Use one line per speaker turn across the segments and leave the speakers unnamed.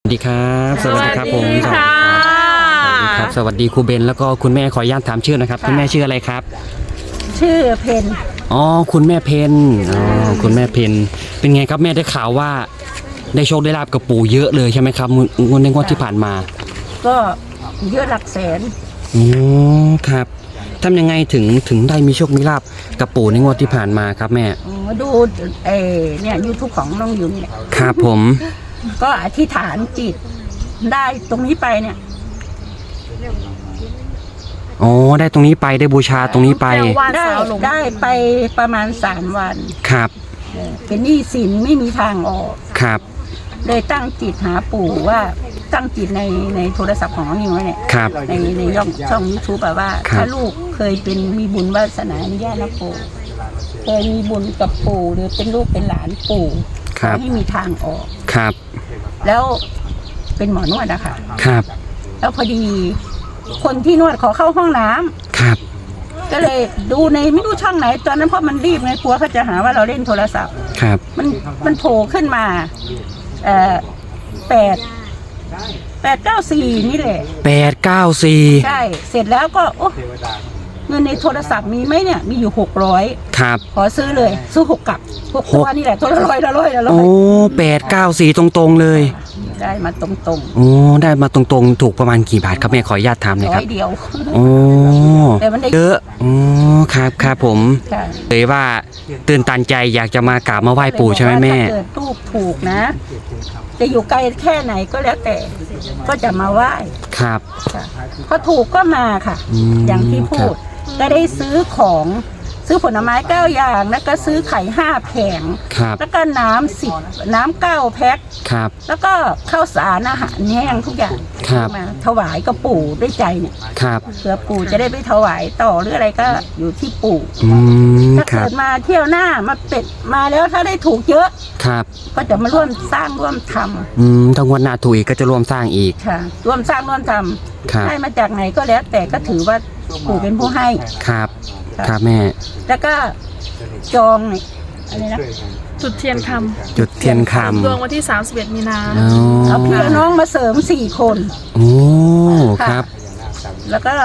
สวัสดีครับสวัสดีครับผมสวัสดีครับสวัสดีครูเบนแล้วก็คุณแม่ขออนุญาตถามชื่อนะครับคุณแม่ชื่ออะไรครับ
ชื่อเพน
อ๋อคุณแม่เพนอ๋อคุณแม่เพนเป็นไงครับแม่ได้ข่าวว่าได้โชคได้ลาบกับปู่เยอะเลยใช่ไหมครับงวดในงวดที่ผ่านมา
ก็เยอะหลักแสน
อ๋อครับทำยังไงถึงได้มีโชคมีลาบกับปู่ในงวดที่ผ่านมาครับแม่
อ๋อดูเนี่ยยูทูบของน้องยุนเนี่ย
ครับผม
ก็อธิษฐานจิตได้ตรงนี้ไปเนี่ย
อ๋อได้ตรงนี้ไปได้บูชาตรงนี้ไป
ได้ไปประมาณ3 วัน
ครับ
เป็นหนี้สินไม่มีทางออก
ครับ
เลยตั้งจิตหาปู่ว่าตั้งจิตในโทรศัพท์ของน้องยุนไว้เนี่ย
ครับ
ในช่องยูทูบแบบว่า
ครับ
ถ้าลูกเคยเป็นมีบุญวาสนาอนุญาตนะปู่เคยมีบุญกับปู่หรือเป็นลูกเป็นหลานปู่ขอให้มีทางออก
ครับ
แล้วเป็นหมอนวดอะค่ะ
ครับ
แล้วพอดีคนที่นวดขอเข้าห้องน้ำ
ครับ
ก็เลยดูในไม่รู้ช่องไหนตอนนั้นเพราะมันรีบไงกลัวเขาจะหาว่าเราเล่นโทรศัพท์
ครับ
มันโผล่ขึ้นมา894นี่แหละ
894
ใช่เสร็จแล้วก็โอ้เงินในโทรศัพท์มีไหมเนี่ยมีอยู่600
ครับ
ขอซื้อเลยซื้อ6กับ6ตัวนี่แหละตัวละร้อยละร้อยละร้อ
โอ้
ย
894ตรงๆเลย
ได้มาตรง
โอ้ได้มาตรงๆถูกประมาณกี่บาทครับแม่ขออนุญาตถามหน่อย
ๆ
ค
ร้
รั
อบ ยเดียว
โอ้
แต่มันได้
เยอะโอ้ครับผม
ค่ะ
เลยว่าตื่นตันใจอยากจะมากราบมาไหว้ปู่ใช่ไหมแม่
ถ้าเกิดลูกถูกนะ จะอยู่ไกลแค่ไหนก็แล้วแต่ก็จะมาไหว้
ครับ
ค่ะพอถูกก็มาค่ะ อย่างที่พู
ครั
ด
บ
ก็ได้ซื้อของซื้อผลไม้9 อย่างแล้วก็ซื้อไข่5 แผง
ครับ
แล้วก็น้ำ9 แพ็ค
ครับ
แล้วก็ข้าวสารอาหารแห้งทุกอย่าง
ครับ
มาถวายกับปู่ด้วยใจเนี่ย
ครับ
เผื่อปู่จะได้ไปถวายต่อหรืออะไรก็อยู่ที่ปู่ ถ้า
ครั
เกิ
บ
ดมาเที่ยวหน้ามาเป็ดมาแล้วถ้าได้ถูกเยอะ
ครับ
ก็จะมาร่วมสร้างร่วมท
ถ้างวดหน้าถูกอีกก็จะร่วมสร้างอีก
ำค่ะร่วมสร้างร่วมท
ครับ
ำได้มาจากไหนก็แล้วแต่ก็ถือว่าปู่เป็นผู้ให้
ครับ
ค่ะ
ครับแม่
แล้วก็จองนี่อะไรนะ
จุดเทียนค
จุดเทียนค
ำดวงวันที่ 31 มีนา
ำอ๋อ
เอาพี่เอาน้องมาเสริม4 คน
โอ้ครับ
แล้วก็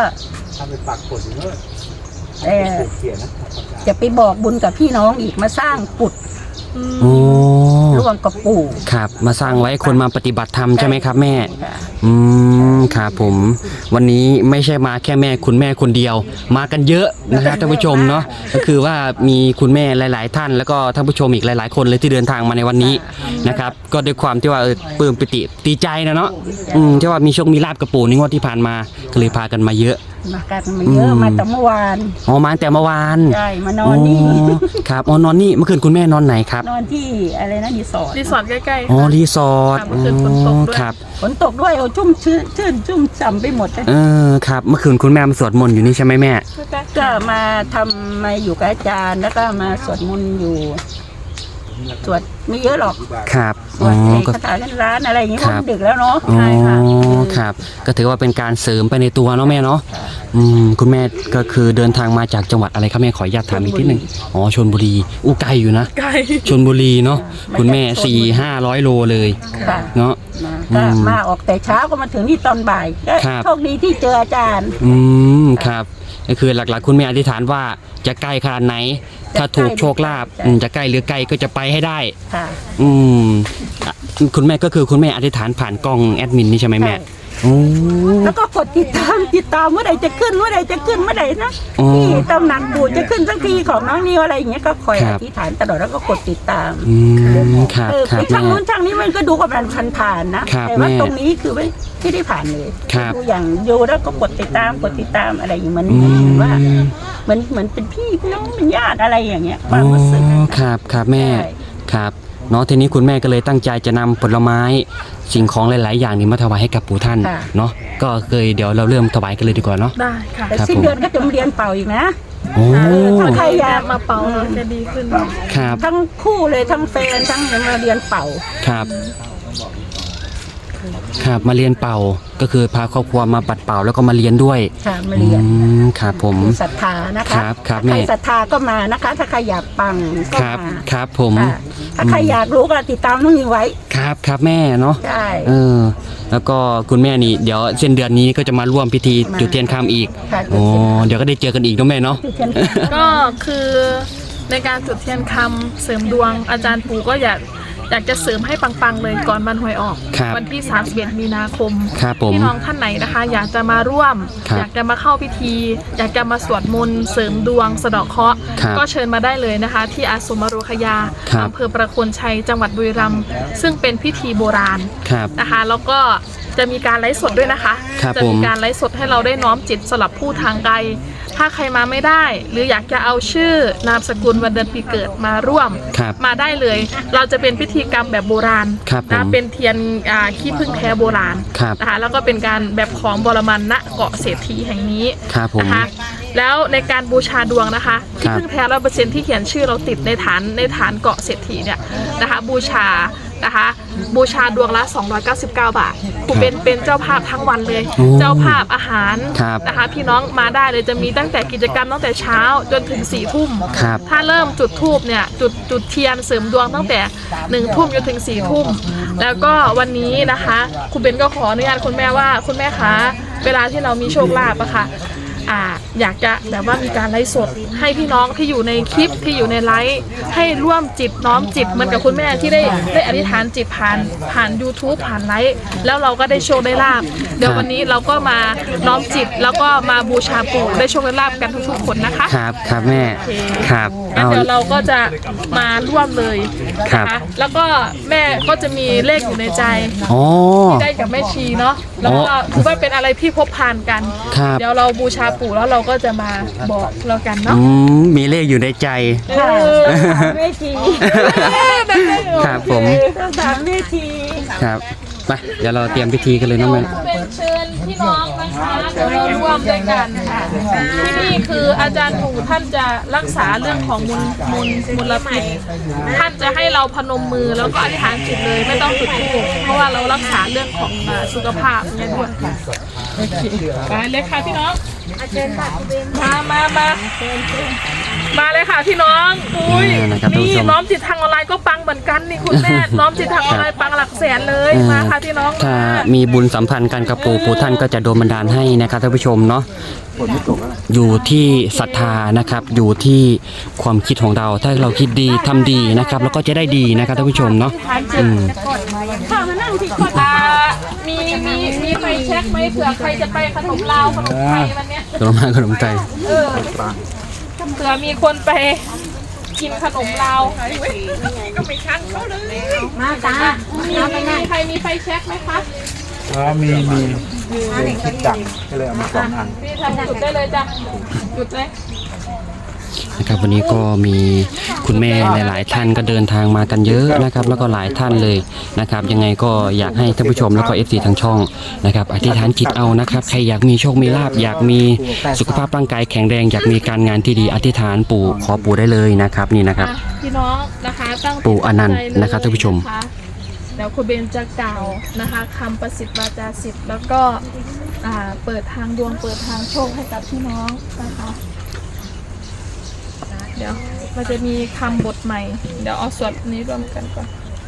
จะไปบอกบุญกับพี่น้องอีกมาสร้างกุฏ
โอ้
ร่วมกับปู่
ครับมาสร้างไว้คนมาปฏิบัติธรรมใช่ไหมครับแม่
ค่ะ
ครับผมวันนี้ไม่ใช่มาแค่แม่คุณแม่คนเดียว มากันเยอะนะครับท่านผู้ชมเนาะก็คือว่ามีคุณแม่หลาย ๆ ท่านแล้วก็ท่านผู้ชมอีกหลาย ๆ คนเลยที่เดินทางมาในวันนี้นะครับก็ด้วยความที่ว่าปลื้มปิติดีใจนะเนาะที่ว่ามีโชคมีลาบกับปู่ในงวดที่ผ่านมาก็เลยพากันมาเยอะ
มากันมาเยอะมาแต่เมื่อวาน
อ๋อมาตั้งแต่เมื่อวาน
ใช่มานอนนี่
ครับอ๋อนอนนี่เมื่อคืนคุณแม่นอนไหนครับ
นอนที่อะไรนะรีสอร์ท
รีสอร์ทใกล้ๆ
อ๋อ
ค่ะ
รีสอร์ท
ค่ะเมื่อคืนฝนตกด้วย
ครับ
ฝนตกด้วยโอ้ชุ่มชื่นชุ่มฉ่ำไปหมดเลย
ครับเมื่อคืนคุณแม่มาสวดมนต์อยู่นี่ใช่ไหมแม่
ก็มามาอยู่กับอาจารย์แล้วก็มาสวดมนต์อยู่สวดไม่เยอะหรอก
ครับ
สวดคาถาเล่นร้านอะไรอย่างงี้เพราะมันดึกแล้วเนาะ
อ๋อ
ใช่ค่ะ
ครับ ก็ถือว่าเป็นการเสริมไปในตัวเนาะแม่เนาะคุณแม่ก็คือเดินทางมาจากจังหวัดอะไรครับแม่ขออนุญาตถามอีกทีหนึ่งอ๋อชลบุรีอู้ไกลอยู่นะ
ไกล
ชลบุรีเนาะคุณแม่400-500 โลเลย
ค่ะ
เนาะ
ก็มาออกแต่เช้าก็มาถึงนี่ตอนบ่ายก็
ครับ
โชคดีที่เจออาจารย์
ครับก็คือหลักๆ คุณแม่อธิษฐานว่าจะใกล้ขนาดไหน ถ้าถูกโชคลาภจะใกล้หรือไกลก็จะไปให้ได้
ค่ะ
อ่ะคุณแม่ก็คือคุณแม่อธิษฐานผ่านกล้องแอดมินนี่ใช่ไหมแม่
ใช่
โอ้
แล้วก็กดติดตามเมื่อไหร่จะขึ้นเมื่อไหร่จะขึ้นเมื่อไหร่นะ
อ๋อ
ที่ตำหนักบูจะขึ้นสักทีของน้องนิวอะไรอย่างเงี้ยก็คอย
ครั
อบ ธิษฐานตลอดแล้วก็กดติดตาม
ครับ
ไป
ครับ
ช่าง
แม่
นู้นช่างนี้มันก็ดูกับมันผ่านๆนะครับ แต่ว่า
แม่
ตรงนี้คือไม่ได้ผ่านเลย
ครับ
ดูอย่างดูแล้วก็กดติดตามอะไรอย่างเหมือนว่าเหมือนเป็นพี่น้องเป็นญาติอะไรอย่างเงี้ยความรู้สึก
อ๋อครับครับแม่
ใช่
ครับเนาะทีนี้คุณแม่ก็เลยตั้งใจจะนำผลไม้สิ่งของหลาย ๆ อย่างนี้มาถวายให้กับปู่ท่านเนาะก็เคยเดี๋ยวเราเริ่มถวายกันเลยดีกว่าเนาะ
ได้ค่ะ
แต่
ครับ
สิ้นเดือนก็จะมาเรียนเป่าอีกนะ
โอ้
ถ้าใครอยาก
มาเป่าเราจะดีขึ้น
ครับ
ทั้งคู่เลยทั้งแฟนทั้งยังมาเรียนเป่า
ครับครับมาเรียนเป่าก็คือพาครอบครัวมาปัดเป่าแล้วก็มาเรียนด้วย
ค่ะมาเรียน
ครับผม
ศรัทธานะคะ
ครับครับ
ถ้าใคร
แม่
ศรัทธาก็มานะคะ ถ้าใครอยากปังก็
ครับ
มา
ครับผม
ค่ะถ้าใครอยากรู้ก็ติดตามน้องนิวไว้
ครับครับแม่เนาะ
ใช่
แล้วก็คุณแม่นี่เดี๋ยวเส้นเดือนนี้ก็จะมาร่วมพิธี
มา
จุดเทียนคำอีก
ค่ะ
อ๋อเดี๋ยวก็ได้เจอกันอีกเนาะแม่เนาะ
จุดเทียน
ก็คือในการจุดเทียนคำเสริมดวงอาจารย์ปู่ก็อยากจะเสริมให้ปังๆเลยก่อนวันหวยออก
ครับ
วันที่31มีนาคม
ครับผม
พี่น้องท่านไหนนะคะ อยากจะมาร่วม
ครับ
อยากจะมาเข้าพิธี อยากจะมาสวดมนต์เสริมดวงสะเดาะเคราะห์
ครับ
ก็เชิญมาได้เลยนะคะ ที่อาสมอโรคยา
ครับ
อำเภอประโคนชัยจังหวัดบุรีรัมย์ซึ่งเป็นพิธีโบราณ
ครับ
นะคะแล้วก็จะมีการไลฟ์สดด้วยนะคะ
ครับ
จะ
ผม
มีการไลฟ์สดให้เราได้น้อมจิตสลับผู้ทางไกล ถ้าใครมาไม่ได้ หรืออยากจะเอาชื่อนามสกุลวันเดือนปีเกิดมาร่วม
ครับ
มาได้เลย เราจะเป็นพิธีกรรมแบบโบราณ
ครับผม
นะเป็นเทียนขี้ผึ้งแท้โบราณ
ครับ
นะคะแล้วก็เป็นการแบบของบรมันณเกาะเศรษฐีแห่งนี้
ครับผม
นะคะแล้วในการบูชาดวงนะคะ
ครั
ที่
บ
พึ่งแท้100%ที่เขียนชื่อเราติดในฐานเกาะเศรษฐีเนี่ยนะคะบูชาดวงละ299 บาทครูเป็นเจ้าภาพทั้งวันเลย
โอ้
เจ้าภาพอาหาร
ครับ
นะคะพี่น้องมาได้เลยจะมีตั้งแต่กิจกรรมตั้งแต่เช้าจนถึง4 ทุ่ม
ครับ
ถ้าเริ่มจุดธูปเนี่ยจุดเทียนเสริมดวงตั้งแต่1 ทุ่มจนถึง4 ทุ่มแล้วก็วันนี้นะคะครูเบนก็ขออนุญาตคุณแม่ว่าคุณแม่คะเวลาที่เรามีโชคลาภอะค่ะอยากจะแบบว่ามีการไลฟ์สดให้พี่น้องที่อยู่ในคลิปที่อยู่ในไลฟ์ให้ร่วมจิตน้อมจิตเหมือนกับคุณแม่ที่ได้อธิษฐานจิตผ่าน YouTube ผ่านไลฟ์แล้วเราก็ได้โชคได้ลาบเดี๋ยววันนี้เราก็มาน้อมจิตแล้วก็มาบูชาปู่ได้โชคได้ลาบกันทุกๆคนนะคะ
ครับครับแม่ครับ
งั้น
เอา
เดี๋ยวเราก็จะมาร่วมเลย
ครับ
นะคะแล้วก็แม่ก็จะมีเลขอยู่ในใจ
อ๋อ
ที่ได้กับแม่ชีเนาะแล้วก็ถือว่าเป็นอะไรที่พบผ่านกัน
ครับ
เดี๋ยวเราบูชาปู่แล้วเราก็จะมาบอกเรากันเนาะ
มีเลขอยู่ในใจ
ค่ะแม่ชี
ครับผม
ต้องถามแม่ชี
ครับไปเดี๋ยวเราเตรียมพิธีกันเลยเนาะแม่
เป็นเชิญพี่น้องนะคะเดี๋ยวเราร่วมด้วยกันค่ะที่นี่คืออาจารย์ปู่ท่านจะรักษาเรื่องของมลพิษท่านจะให้เราพนมมือแล้วก็อธิษฐานจิตเลยไม่ต้องจุดธูปเพราะว่าเรารักษาเรื่องของสุขภาพเนี่ยด้วยค่ะโอเคไปเลยค่ะพี่น้องมาเลยค่ะพี่น้องอุ้ย
นะครับท่านผู้
นี่
ชม
น้อมจิตทางออนไลน์ก็ปังเหมือนกันนี่คุณแม่ น้อมจิตทางออนไลน์ปังหลักแสนเลยมาค่ะพี่น้อง
ถ้ามีบุญสัมพันธ์กันกับปู่ท่านก็จะโดนบันดาลให้นะครับท่านผู้ชมเนาะอยู่ที่ศรัทธานะครับอยู่ที่ความคิดของเรา ถ้าเราคิดดีทำดีนะครับแล้วก็จะได้ดีนะครับท่านผู้ชมเนาะอืม
ข้ามานั่งที่
มีไฟแช็กไหมเผื่อใครจะไปขนมลาวขนมไทยวันเนี้ย
ขนมมาขนมใจ
เผื่อมีคนไปกินขนมลาวก็ไม่ชันเขาเลย
มาตา
มีใครมีไฟแช็กไหมคะ
มีเป็นคิดจังก็เลยเอามา2 อัน
พี่ทำจุดได้เลยจ้ะจุดเลย
นะครับวันนี้ก็มีคุณแม่หลายๆท่านก็เดินทางมากันเยอะนะครับแล้วก็หลายท่านเลยนะครับยังไงก็อยากให้ท่านผู้ชมแล้วก็ FC ทางช่องนะครับอธิษฐานจิตเอานะครับใครอยากมีโชคมีลาภอยากมีสุขภาพร่างกายแข็งแรงอยากมีการงานที่ดีอธิษฐานปู่ขอปู่ได้เลยนะครับนี่นะครับ
พี่น้องนะคะตั้งจิต
ปู่อนันต์
ตั้งใจเลย
นะครับท่านผู้ชม
ะเดี๋ยวคุณเบนจะกล่าวนะคะคำประสิทธิ์วาจาสิทธิ์แล้วก็เปิดทางดวงเปิดทางโชคให้กับพี่น้องนะคะเดี๋ยวมันจะมีคำบทใหม่ เดี๋ยวเอาสวดนี้รวมกันก่อน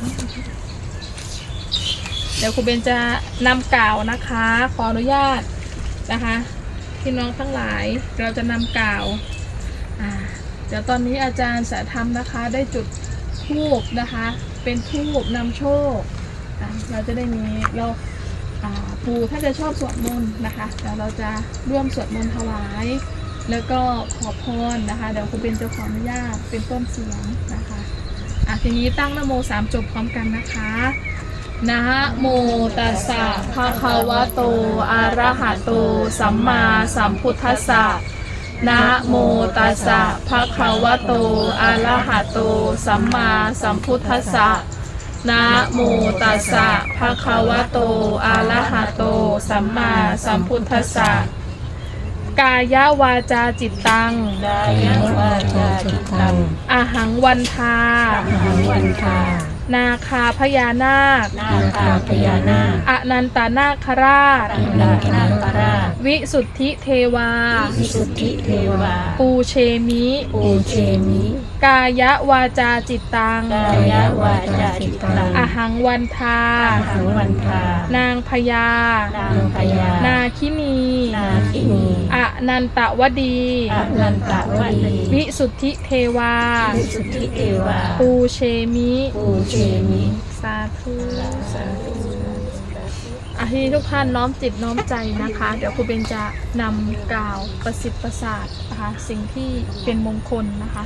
เดี๋ยวครูเบนจะนำกล่าวนะคะ ขออนุญาตนะคะพี่น้องทั้งหลายเราจะนำกล่าวเดี๋ยวตอนนี้อาจารย์สายธรรมนะคะได้จุดธูปนะคะเป็นธูปนำโชคเราจะได้มีปู่ท่านจะชอบสวดมนต์นะคะเดี๋ยวเราจะร่วมสวดมนต์ถวายแล้วก็ขอพรนะคะเดี๋ยวครูเบนจะขออนุญาตเป็นต้นเสียงนะคะทีนี้ตั้งนะโม3 จบพร้อมกันนะคะนะโมตัสสะภะคะวะโตอะระหะโตสัมมาสัมพุทธัสสะนะโมตัสสะภะคะวะโตอะระหะโตสัมมาสัมพุทธัสสะนะโมตัสสะภะคะวะโตอะระหะโตสัมมาสัมพุทธัสสะกายวาจาจิตตังอาหังวันทานาคาพญานาค
นาคาพญานาค
อนันตนาคราช
อนันตนาคราช
วิสุทธิเทวา
วิสุทธิเทวา
ปูเชมิ
ปูเชมิ
กายวาจาจิตตัง
กายวาจาจิตตัง
อหังวันทา
อาหังวันทาน
างพญา
นางพญา
นาคินี
นาคินี
อนันตวดี
อนันตวดี
วิสุทธิเทวา
วิสุทธิเทวา
ปูเชมิ
ปูเชมิ
สาธุสาธุที่ทุกท่านน้อมจิตน้อมใจนะคะ เดี๋ยวครูเบนจะนำกล่าวประสิทธิ์ประสาทนะคะสิ่งที่เป็นมงคลนะคะ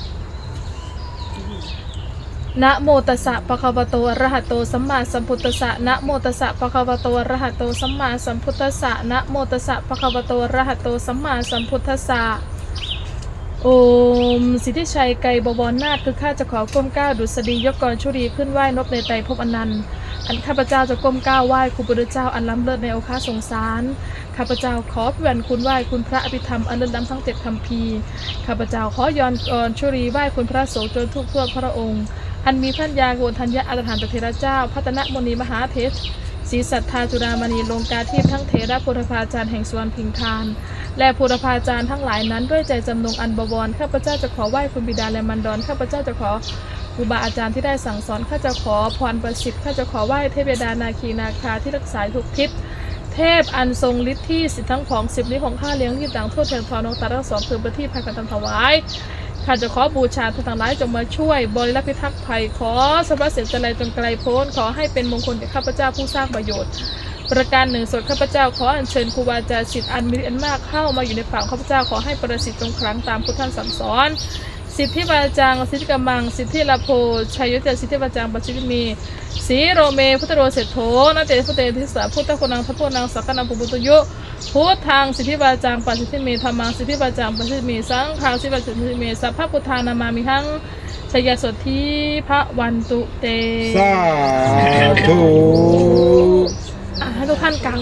นะโมตัสสะภะคะวะโตอะระหะโตสัมมาสัมพุทธัสสะนะโมตัสสะภะคะวะโตอะระหะโตสัมมาสัมพุทธัสสะนะโมตัสสะภะคะวะโตอะระหะโตสัมมาสัมพุทธัสสะโอมสิทธิชัยไกรบวรนาถคือข้าจะขอก้มก้าวดุษฎียกกรชุรีขึ้นไหว้นบในไตรภพอนันต์อันข้าพเจ้าจะก้มก้าวไหว้ครูพุทธเจ้าอันล้ำเลิศในโอคาสงสารข้าพเจ้าขอพิวันคุณไหว้คุณพระอภิธรรมอันเลิศล้ำทั้ง7คัมภีร์ข้าพเจ้าขอย้อนกรชุรีไหว้คุณพระโสจนทุกทั่วพระองค์อันมีพันยาโกณทัญญาอัตถานตเถระเจ้าพัฒนมณีมหาเทศศรีสัทธาจุฬามณีลงกาทิพย์ทั้งเถระพุทธภาจารย์แห่งสวรรณพิงคารและพุทธภาจารย์ทั้งหลายนั้นด้วยใจจำนงอันบวรข้าพเจ้าจะขอไหว้คุณบิดาและมารดาข้าพเจ้าจะขอครูบาอาจารย์ที่ได้สั่งสอนข้าจะขอพรประสิทธิ์ข้าจะขอไหว้เทพบิดานาคีนาคาที่รักษาทุกทิศเทพอันทรงฤทธิ์ที่สิทธิทั้งของ10นี้ของข้าเลี้ยงที่ต่างทั่วเทียนทอนองตาทั้งสองคือประทีปพากันทำถวายข้าจะขอบูชาท่านทั้งหลายจงมาช่วยบริรักษ์พิทักษ์ภัยขอสรรพสิ่งจันไรจงไกลโพ้นขอให้เป็นมงคลแก่ข้าพเจ้าผู้สร้างประโยชน์ประการหนึ่งส่วนข้าพเจ้าขออัญเชิญครูบาอาจารย์สิทธิ์อันมีอันมากเข้ามาอยู่ในฝั่งข้าพเจ้าขอให้ประสิทธิ์จงครั้งตามพุทธท่านสั่งสอนสิทธิวาจังสิทธิกมังสิทธิลาโภชัยยุทธสิทธิวาจังปัจจิมีสีโรเมพุทธโรเศรษโธนาเตพุทธเตทิสาพุทธคุณังทัพพนังสักกันังปุบุตยุพุทธังสิทธิวาจังปัจจิมีธรรมังสิทธิวาจังปัจจิมีสังฆังสิทธิวาจังปัจจิมีสัพพพุทธานามามิหังชยสทธิพระวันตุเต
สาธุ
ให้ทุกท่านกล่าว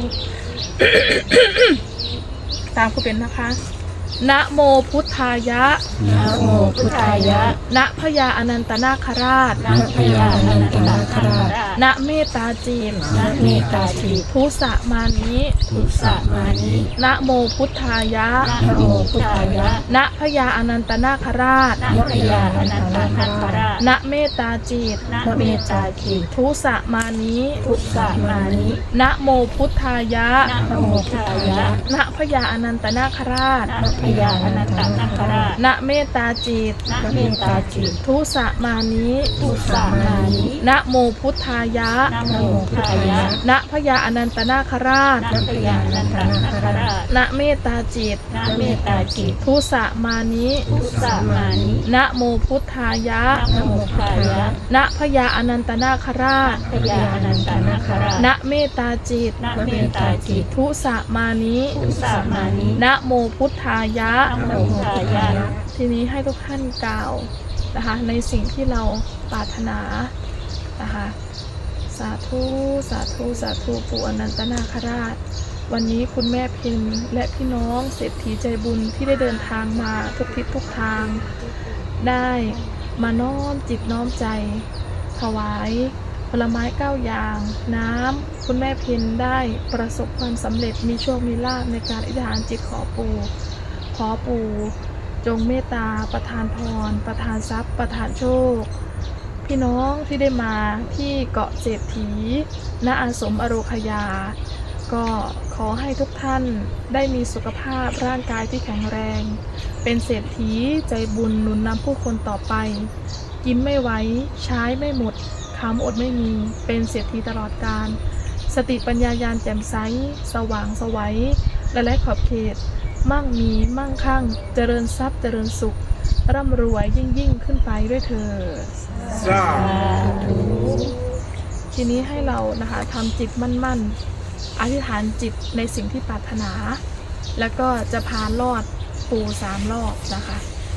ตามครูเป็นนะคะนะโมพุทธายะ
นะโมพุทธายะ
นะพญาอนันตนาคราช
นะพญาอนันตนาคราช
นะเมตตาจีน
นะเมตตาจิต
ทุสะมานิ
ทุสะมานิ
นะโมพุทธายะ
นะโมพุทธายะ
นะพญาอนันตนาคราช
นะพญาอนันตนาคราช
นะเมตตาจิต
นะเมตตาจิต
ทุสะมานิ
ทุสะมานิ
นะโมพุทธายะ
นะโมพุทธายะ
นะพญาอนันตนาคราช
นะพญาอนันตนาคราช
นะเมตตาจิต
นะเมตตาจิต
ทุสะมานิ
ทุสะมานิ
นะโมพุทธายะ
นะโมพุทธายะ
นะพญาอนันตนาคราช
นะพญาอนันตนาคราช
นะเมตตาจิต
นะเมตตาจิต
ทุสะมานิ
ทุสะมานิ
นะโมพุทธายะ
นะโมพุทธายะ
นะพญาอนันตนาคราช
พญาอนันตนาคราช
นะเมตตาจิต
นะเมตตาจิต
ทุสะมานิ
ทุสะมานิ
นะโมพุทธายะ
นะโมพุทธายะ
ทีนี้ให้ทุกท่านกล่าวนะคะในสิ่งที่เราปรารถนานะคะสาธุสาธุสาธุปู่อนันตนาคราชวันนี้คุณแม่เพ็ญและพี่น้องเศรษฐีใจบุญที่ได้เดินทางมาทุกทิศทุกทางได้มาน้อมจิตน้อมใจถวายผลไม้9อย่างน้ำคุณแม่เพ็ญได้ประสบความสำเร็จมีโชคมีลาภในการอธิษฐานจิตขอปู่จงเมตตาประทานพรประทานทรัพย์ประทานโชคพี่น้องที่ได้มาที่เกาะเศรษฐีณอาสมอโรคยาก็ขอให้ทุกท่านได้มีสุขภาพร่างกายที่แข็งแรงเป็นเศรษฐีใจบุญหนุนนำผู้คนต่อไปกินไม่ไหวใช้ไม่หมดคำอดไม่มีเป็นเศรษฐีตลอดกาลสติปัญญาญาณแจ่มใสสว่างไสวและไร้ขอบเขตมั่งมีมั่งคั่งเจริญทรัพย์เจริญสุขร่ำรวยยิ่งขึ้นไปด้วยเถิด
สาธุ
ทีนี้ให้เรานะคะทำจิตมั่นๆอธิษฐานจิตในสิ่งที่ปรารถนา แล้วก็จะพาลอดปู่3 รอบนะคะ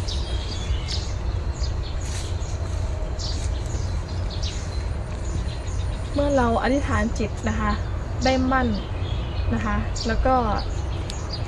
เมื่อเราอธิษฐานจิตนะคะได้มั่นนะคะแล้วก็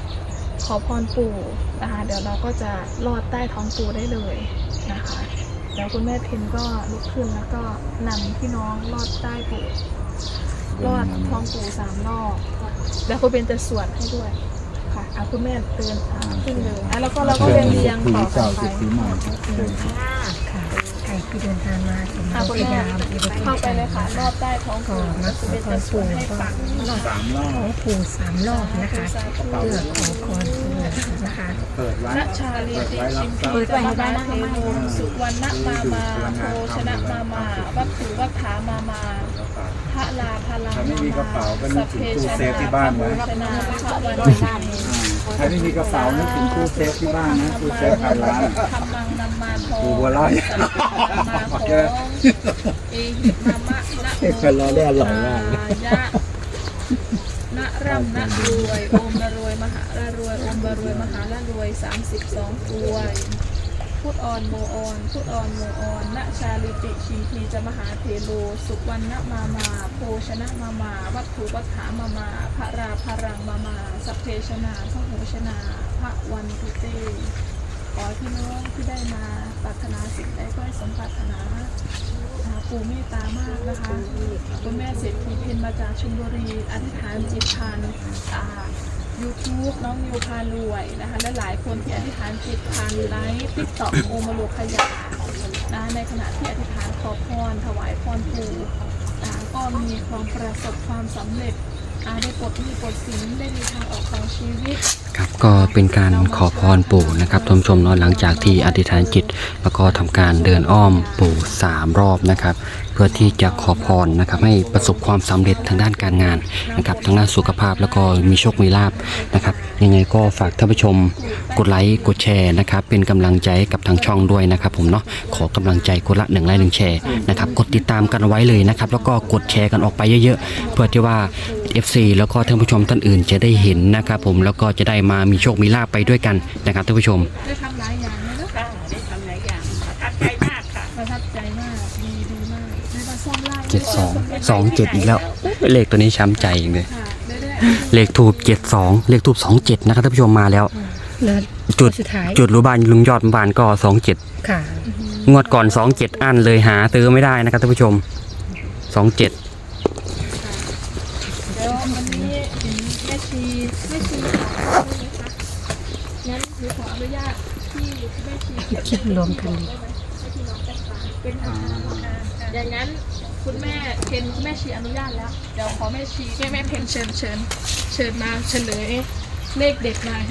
ขอพรปู่นะคะเดี๋ยวเราก็จะลอดใต้ท้องปู่ได้เลยนะคะแล้วคุณแม่เพนก็ลุกขึ้นแล้วก็นำพี่น้องลอดใต้ปู่ลอดท้องปู่3 รอบแล้วคุณเบนจะสวดให้ด้วยค่ะคุณแม่เดินขึ้นเลยแล้วก็เราก็เรียงต่อกันไป
ค่ะใครที่เดินทางมาถึง
คุณ
พ
แม่
ยายาม
เข้าไปเลยค่ะรอบใต้ท้อง
ก็
ปู่
มาข
คุณ
อ
เบน
พ
จะ
ร
สว
ปู่
ดให้
ก็
ฟัง
ขอปู่3 รอบนะคะเพื่อขอพรปู่นะคะ
เปิดไว้
นัชชาลีติชิมพี
เปิดไว้ให้ได้นะ
เทโวสุวรรณมาโพชนะมาวัตถุวัฏฐามาพระลาพลัง
ถ้าไม่มีกระเป๋าก็นึ
สั
ก
พ
ถึ
เพ
งตู้
ช
เซ
นะ
ฟที่บ้านไว้
ชนะพระวัน
ใครไม่มีกระเป๋านึกถึงตู้เซฟที่บ้านนะตู้เซฟภายร้าน
ธรรมังนัมมาโพ
ปูบัวลอย
สัพเพมาโพเอหิมามะนะโม
คนเราได้อร่อยมาก
ยะนะร่ำนะรวยโอมละรวยมหาละรวยโอมละรวยมหาละรวย32อวยพุทธออนโมออนพุทธออนโมออนณชาลิติชีพีจะมหาเทโลสุวรรณมาโพชนะมาวัตถุวัฏฐามาพระราพรังมาสัพเพชนาพระโหชนาพระวันตุเตขอพี่น้องที่ได้มาปรารถนาสิ่งใดก็ให้สมปรารถนาปู่เมตตามากนะคะคุณแม่เศรษฐีเพนมาจากชลบุรีอธิษฐานจิตผ่านYouTube น้องนิวพารวยนะคะและหลายคนที่อธิษฐานจิตผ่านไลฟ์ติ๊กต็อกโอมาโลขยานะในขณะที่อธิษฐานขอพรถวายพรปู่ก็มีความประสบความสำเร็จได้ปลดหนี้ปลดสินได้มีทางออกของชีวิต
ครับก็เป็นการขอพรปู่นะครับท่านผู้ชมเนาะหลังจากที่อธิษฐานจิตแล้วก็ทำการเดินอ้อมปู่3 รอบนะครับเพื่อที่จะขอพรนะครับให้ประสบความสำเร็จทางด้านการงานนะครับทางด้านสุขภาพแล้วก็มีโชคมีลาภนะครับยังไงก็ฝากท่านผู้ชมกดไลค์กดแชร์นะครับเป็นกำลังใจให้กับทางช่องด้วยนะครับผมเนาะขอกำลังใจคนละ1 ไลค์ 1 แชร์นะครับกดติดตามกันไว้เลยนะครับแล้วก็กดแชร์กันออกไปเยอะๆเพื่อที่ว่า FC แล้วก็ท่านผู้ชมท่านอื่นจะได้เห็นนะครับผมแล้วก็จะได้มามีโชคมีลาภไปด้วยกันนะครับท่านผู้ชม
ได้ทำหลายอย่างเลยนะ
ได้ทำหลายอย่างประทับใจมากค่ะ
ประทับใจมากดีมากได้มาซ่อมไล่
72 27อีกแล้วเลขตัวนี้ช้ำใจอย่างเลย
ค่ะได้
เลขทูบ72เลขทูบ27นะครับท่านผู้ชมมาแล้ว
แล้ว
จุด
สุดท้าย
จุดรูบ้านลุงยอดบ้านก็27
ค่ะ
งวดก่อน27อันเลยหาซื้อไม่ได้นะครับท่านผู้ชม27
แล้ววันนี้เห็นแม่ชีขอใช่ไหมคะงั้นหนูขออนุญาตที่แม่ชี
คลิปรวมกันดี
เป็นทางการอย่างนั้นคุณแม่เพนคุณแม่ชีอนุญาตแล้วเดี๋ยวขอแม่ชีแม่เพนเชิญมาเฉลยเลขเด็ดหน่อย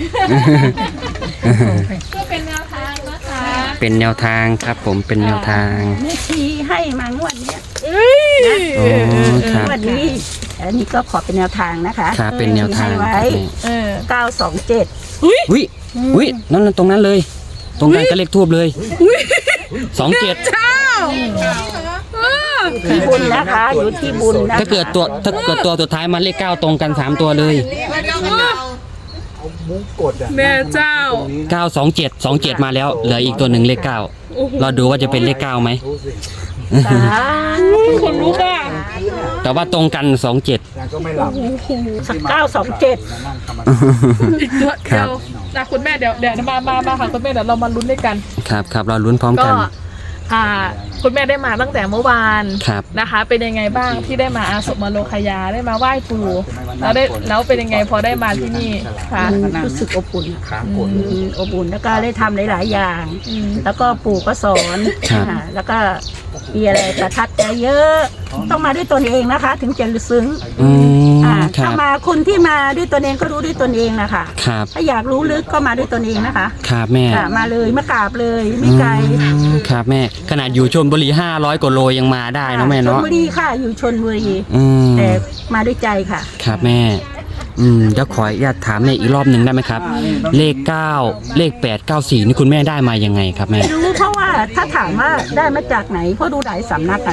ก็เป็นแนวทางนะคะ
เป็นแนวทางครับผมเป็นแนวทาง
แม่ชีให้มางวดเนี้ย
โอ้ครับ
งวดนี้อันนี้ก็ขอเป็นแนวทางนะคะ
ครับเป็นแนวทาง
ให้ไว้ 927
อุ้ยนั่นตรงนั้นเลย ตรงกันก็เลขทูบเลย27
ที่บุญนะคะอยู่ที่บุญนะคะ
ถ้าเกิดตัวสุดท้ายมาเลข9ตรงกัน3ตัวเลย
เอามุ้งกดอ่ะ
แม่เจ้า
927 27มาแล้วเหลืออีกตัวหนึ่งเลข9เราดูว่าจะเป็นเลข9ไหม
รู้สิ
คนลุกอ่ะ
แต่ว่าตรงกัน27
แต่ก็ไม่หลับ
927
มานั่งทำอะไร
อีกตัวเดียวนะคุณแม่เดี๋ยวมาค่ะคุณแม่เดี๋ยวเรามาลุ้นด้วยกัน
ครับเราลุ้นพร้อม
ก็
กัน
คุณแม่ได้มาตั้งแต่เมื่อวาน
ครับ
นะคะ เป็นยังไงบ้างที่ได้มาอาสมมาโลคยาได้มาไหว้ปู่แล้วเป็นยังไงพอได้มาที่นี่ค่ะ
มันรู้สึกอบอุ่น
ค้างกด
อบอุ่นแล้วก็ได้ทำหลายๆอย่าง แล้วก็ปู่ก็สอน
ครับ
แล้วก็มีอะไรประทับใจเยอะ ต้องมาด้วยตนเองนะคะ ถึงจะซึ้ง
อืมค
ถ้า
รับ
มาคนที่มาด้วยตนเองก็รู้ด้วยตนเองนะคะ
ครับ
ถ้าอยากรู้ลึกก็มาด้วยตนเองนะคะ
ครับแม่
มาเลยมากราบเลยไม่ไกล
ครับแม่ขนาดอยู่ชลบุรี500 กว่าโลยังมาได้เนาะแม่
ชล
เนาะ
บุรีค่ะอยู่ชลบุรี
อืม
แต่มาด้วยใจค่ะ
ครับแม่เดี๋ยวขออนุญาตถามแม่อีกรอบหนึ่งได้ไหมครับ เลข9เลข8 94นี่คุณแม่ได้มายังไงครับแม่
รู้เพราะว่าถ้าถามว่าได้มาจากไหนเพราะดูหลายสำนักอะนะ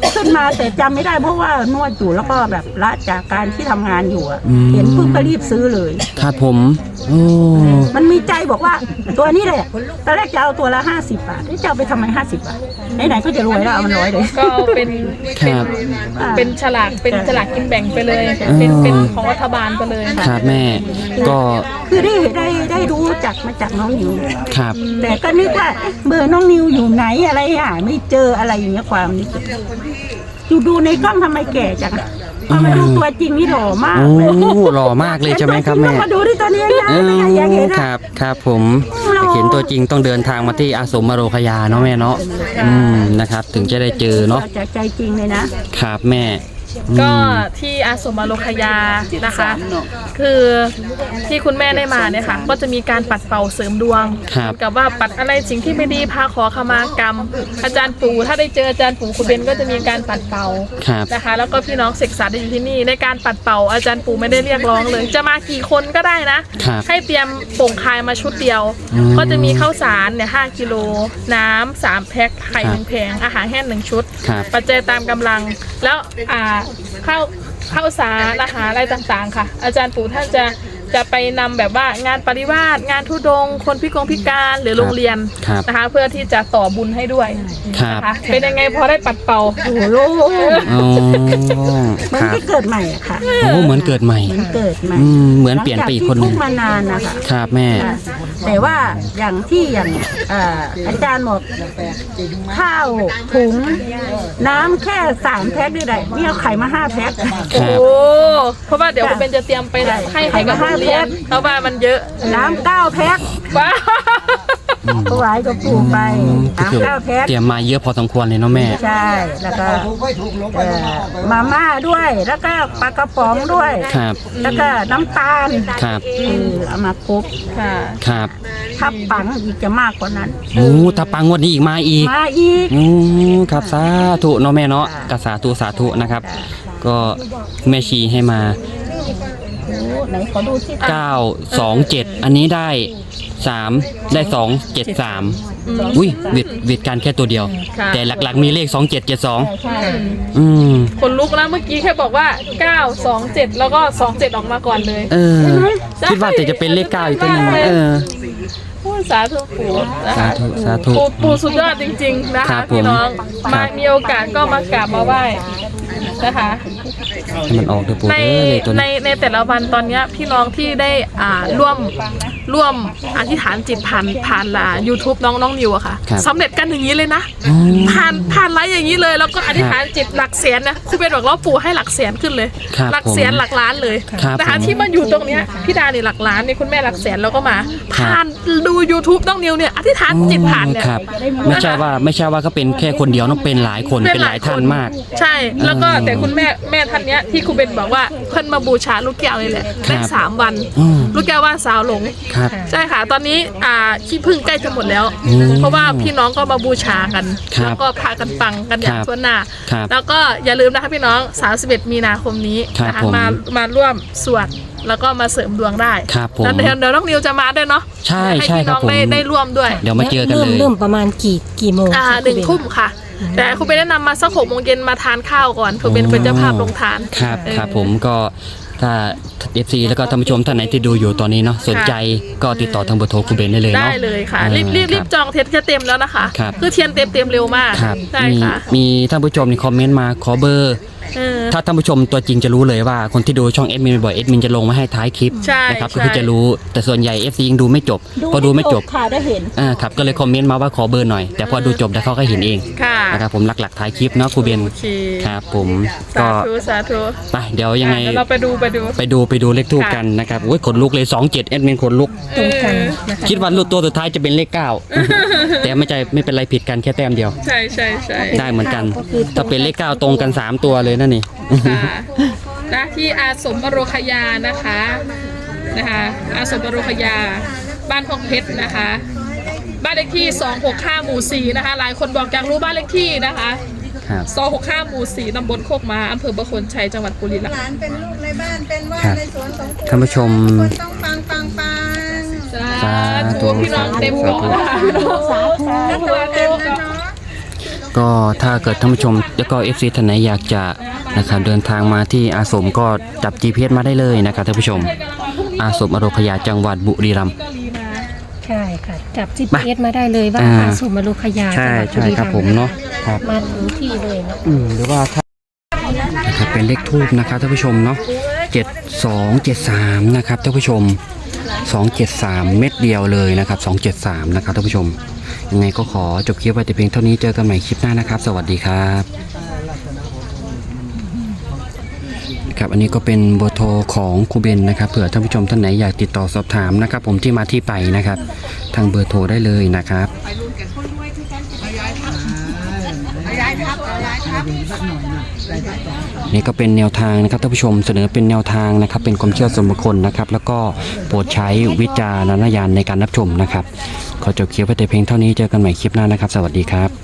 ขึ้นมาแต่จำไม่ได้เพราะว่านวดอยู่แล้วก็แบบละจากการที่ทำงานอยู่อะ
อืม
เห็นปุ๊บก็รีบซื้อเลย
ครับผมโอ้
มันมีใจบอกว่าตัวนี้แหละตอนแรกจะเอาตัวละ50 บาทจะเอาไปทำไม50 บาทไหนๆก็จะรวยแล้วเอามัน100เลย
ก็เป็น
ครับ
เป็นฉลากกินแบ่งไปเลย เป็นของรัฐบาลไปเลย
ครับแม่ก็
คือได้รู้จักมาจากน้องนิว
ครับ
แต่ก็นึกว่าเอ๊ะเบอร์น้องนิวอยู่ไหนอะไรไม่เจออะไรอย่างเงี้ยความนึกอยู่ดูในกล้องทำไมแก่จังอะพอมาดูตัวจริงนี่หล่อมาก
โอ้
เลย
หล่อมากเลยใช่ไหมครับแม่
มาดูที่ตัวนี้ยาย
อื
อยาก
ม
เห็น
ค
อะ
รับครับผม
หล่อ
เห็นตัวจริงต้องเดินทางมาที่อาสมมโรคยาเนาะแม่เนาะนะครับ ถึงจะได้เจอเนาะ
จากใจจริงเลยนะครับ
แม่อืม
ก็ที่อาสมอโลคยานะคะ คือที่คุณแม่ได้มาเนี่ยค่ะ ก็จะมีการปัดเป่าเสริมดวง
ครับ
กับว่าปัดอะไรสิ่งที่ไม่ดีพาขอขมากรรม อาจารย์ปู่ถ้าได้เจออาจารย์ปู่คุณเบนก็จะมีการปัดเป่า
ครับ
นะคะ แล้วก็พี่น้องศึกษาได้อยู่ที่นี่ในการปัดเป่าอาจารย์ปู่ไม่ได้เรียกร้องเลย จะมากี่คนก็ได้นะ
ครับ
ให้เตรียมโป่งคายมาชุดเดียว
อืม
ก็จะมีข้าวสารเนี่ย5 กิโลน้ำ3 แพ็คไข่
ครับ
1 แผงอาหารแห้ง1 ชุด
ครับ
ปัจจัยตามกำลังแล้วข้าวสารอาหารอะไรต่างๆ ค่ะ อาจารย์ปู่ท่านจะไปนำแบบว่างานปริวาสงานธุดงค์คนพิการหรือโรงเรียน
ครับ
นะคะ เพื่อที่จะต่อบุญให้ด้วย
ครับ
นะคะเป็นยังไงพอได้ปัดเป่า
โอ้โหโล่ง
อ๋อ
มัน
ครับ
ไม่เกิดใหม่อะค่ะ
โอ้เหมือนเกิดใหม่
มันเกิดใหม่
เหมือนเปลี่ยนไปอีกคนห
หลั
นึ
ง
ง
จากที่ทุกข์มานานนะคะ
ครับแม่
แต่ว่าอย่างอาจารย์บอกข้าวถุงน้ำแค่3 แพ็คด้วยได้นี่เอาไข่มา5 แพ็ค
ค
โอ้
รับ
เพราะว่าเดี๋ยวคุณเป็นจะเตรียมไปให้กับโรงเรียนเพราะว่ามันเยอะ
น้ำ9 แพ็ค
ว้าว
ถวายกับปู่ไป
ก็คือ
น้ำ9 แพ็ค
เตรียมมาเยอะพอสมควรเลยเนาะแม่
ใช่แล้วก็มาม่าด้วยแล้วก็ปลากระป๋องด้วย
ครับ
แล้วก็น้ำตาล
ครับ
เอามาครบ
ค่ะ
ครับ
ถ้าปังอีกจะมากกว่านั้น
โอ้ถ้าปังงวดนี้อีกมาอีก
มาอีก
ครับสาธุเนาะแม่เนาะก็สาธุนะครับ ก็แม่ชีให้มา
โอ้ไหนขอดูที่
927 อันนี้ได้3ได้273อุ้ยเวทการแค่ตัวเดียว
ค่ะ
แต่หลักๆมีเลข2772
ใช่
อืม
คนลุกนะเมื่อกี้แค่บอกว่า 927 แล้วก็ 27 ออกมาก่อนเลย
เออคิดว่าแต่จะเป็นเลข9อีกตัวหนึงเออ
พูดสาธุปู่นะคะ
สาธุ
ปู่สุดยอดจริงๆนะ
ครั
คะ
บผม
พี่น้อง
ครั
มา
บ
มีโอกาสก็มากราบมาไหว้นะคะ
ให้มันออกเถอะปู่
ใน
เอ้ยตัว
ใน
นี้
ในแต่ละวันตอนเนี้ยพี่น้องที่ได้ร่วมอธิษฐานจิตผ่านYouTube น้องนิวอะค่ะ
ครับ
สำเร็จกันอย่างนี้เลยนะ
อ๋อ
ผ่านไลฟ์อย่างนี้เลยแล้วก็อธิษฐานจิตหลักแสนนะครูเบนบอกว่าปู่ให้หลักแสนขึ้นเลย
ครับ
หลักแสน
ผม
หลักล้านเลย
ครับ
นะคะ
ผม
ที่มาอยู่ตรงเนี้ยพี่ดาเนี่ยหลักล้านเนี่ยคุณแม่หลักแสนแล้วก็มา
ครับ
ผ่านดู YouTube น้องนิวเนี่ยอธิษฐานจิตผ่านเนี่ย
ครับไม่ใช่ว่าก็เป็นแค่คนเดียวเนอะเป็นหลายคนเป็นหลายท่านมาก
ใช่ แล้วก็แต่คุณแม่ท่านเนี้ยที่ครูเบนบอกว่าเพิ่นมาบูชาลูกแก้วเลยแหละ
ครั
ได้
บ
3 วัน
อืม
ลูกแก้วว่าสาวหลง
ครับ
ใช่ค่ะ ตอนนี้ขี้พึ่งใกล้จะหมดแล้ว
อืม
เพราะว่าพี่น้องก็มาบูชากัน
ครับ
แล้วก็พากันปังกันอย่าง
ครับ
ทั่วหน้า
ครับ
แล้วก็อย่าลืมนะคะพี่น้อง 31 มีนาคมนี้
ครับ
นะคะ
ผม
มาร่วมสวดแล้วก็มาเสริมดวงได้
ครับผม
แล้วเดี๋ยวน้องนิวจะมาด้วยเนาะ
ใช่
ให้
ใช่
พี่
ค
น้
รับ
อง
ผม
ได้ร่วมด้วย
เดี๋ยวมาเจอกันเลย
เริ่มประมาณกี่โมง
1 ทุ่มค่ะ แต่คุณเบนแนะนำมาสัก6 โมงเย็นมาทานข้าวก่อนคุณเบนเป็นเจ้าภาพลงทาน
ครับ
เออ
ครับผมก็ถ้า FC แล้วก็ท่านผู้ชมท่านไหนที่ดูอยู่ตอนนี้เนาะสนใจก็ติดต่อทางเบอร์โทรคุณเบนได้เลย
ได้
เนาะ
เลยค่ะ
อ่า
รีบจองเทปจะเต็มแล้วนะคะ
ครับ
คือเทียนเต็มเร็วมาก
ครับ
ใช่
มี
ค่ะ
มีท่านผู้ชมนี่คอมเมนต์มาขอเบอร์
เออ
ถ้าท่านผู้ชมตัวจริงจะรู้เลยว่าคนที่ดูช่องเอ็ดมินบ่อยเอ็ดมินจะลงมาให้ท้ายคลิป
ใช่
นะครับ
ใช่
ก็คือจะรู้แต่ส่วนใหญ่ FC ยังดูไม่จบพอดูไม่จบ
ค่ะได้เห็น
ครับก็เลยคอมเมนต์มาว่าขอเบอร์หน่อยแต่พอดูจบแล้วเขาก็เห็นเอง
ค่ะ
นะครับผมหลักๆท้ายคลิปเนาะครูเบน
โอเค
ครับผม
สา
ก็
ธุ
ไปเดี๋ยวยังไง
เดี๋ยวเราไปดู
ไปดูเลขทูปกันนะครับโอ้ยขนลุกเลย27เอ็ดมินขนลุก
ตรงกันนะคะ
คิดว่าลูกตัวสุดท้ายจะเป็นเลข 9 แต่ไม่เป็นไรผิดกันแค่แต้มเดียว
ใช่
ได้เหมือนกัน ถ้าเป็นเลข 9 ตรงกัน 3 ตัวเลยนั่นนี่
ค่ะนะที่อาสมบโรคยานะคะอาสมบโรคยาบ้านพงเพชรนะคะ บ้านเลขที่265หมู่4นะคะหลายคนบอกอยากรู้บ้านเลขที่นะคะ
ครับ
265หมู่4ตำบลโคกม้าอำเภอประโคนชัยจังหวัดบุรีรัม
ห
ย์
ลานเป็นลูกในบ้านเป็นว่า
ครับ
ในสวนของปู่
ท่านผู้ชม
คนต้องฟัง
สาธุพี่น้องเต็มเกาะนะคะ
แล้วตัวเต็มแล้วเนาะ
ก็ถ้าเกิดท่านผู้ชมแล้วก็ FC ท่านไหนอยากจะนะครับเดินทางมาที่อาสมก็จับ GPS มาได้เลยนะครับท่านผู้ชมอาสมอโรคยาจังหวัดบุรีรัมย์
ใช่ค่ะ จับ GPS มาได้เลยว่า
อ่า
อาสมอโลคยา
ใช่
จังหวัด
ใช่ครับผมเนาะครับ
มาถึงที่เลยเนาะ
หรือว่าถ้านะครับเป็นเลขทูบนะครับท่านผู้ชมเนาะ7273นะครับท่านผู้ชม273เม็ดเดียวเลยนะครับ273นะครับท่านผู้ชมยังไงก็ขอจบคลิปไว้แต่เพียงเท่านี้เจอกันใหม่คลิปหน้านะครับสวัสดีครับครับอันนี้ก็เป็นเบอร์โทรของครูเบนนะครับเผื่อท่านผู้ชมท่านไหนอยากติดต่อสอบถามนะครับผมที่มาที่ไปนะครับทางเบอร์โทรได้เลยนะครับนี่ก็เป็นแนวทางนะครับท่านผู้ชมเสนอเป็นแนวทางนะครับเป็นความเชื่อส่วนบุคคลนะครับแล้วก็โปรดใช้วิจารณญาณในการรับชมนะครับขอจบคลิปไว้แต่เพียงเท่านี้เจอกันใหม่คลิปหน้านะครับสวัสดีครับ